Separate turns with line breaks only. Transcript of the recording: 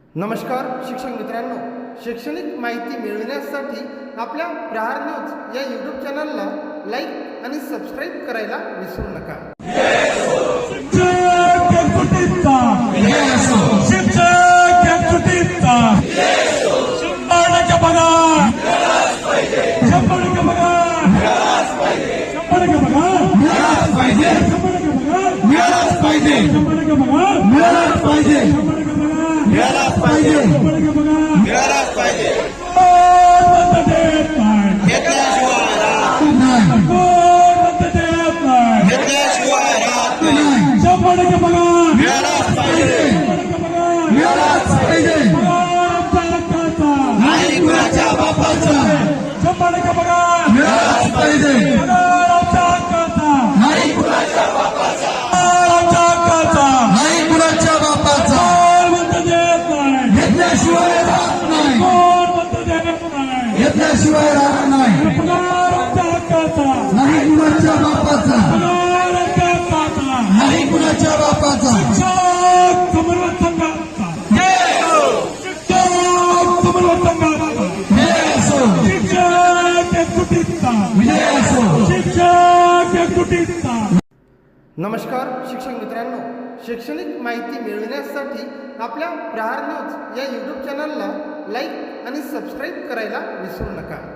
नमस्कार शिक्षक मित्रांनो, शैक्षणिक माहिती मिळविण्यासाठी आपल्या प्रहार न्यूज या यूट्यूब चॅनलला लाईक आणि सबस्क्राईब करायला विसरू नका.
शिवाय राहणार नाही कुणाच्या बापाचा नाही कुणाच्या बापाचा
नमस्कार शिक्षक मित्रांनो, शैक्षणिक माहिती मिळविण्यासाठी आपल्या प्रहार न्यूज या यूट्यूब चॅनलला लाईक आणि सबस्क्राईब करायला विसरू नका.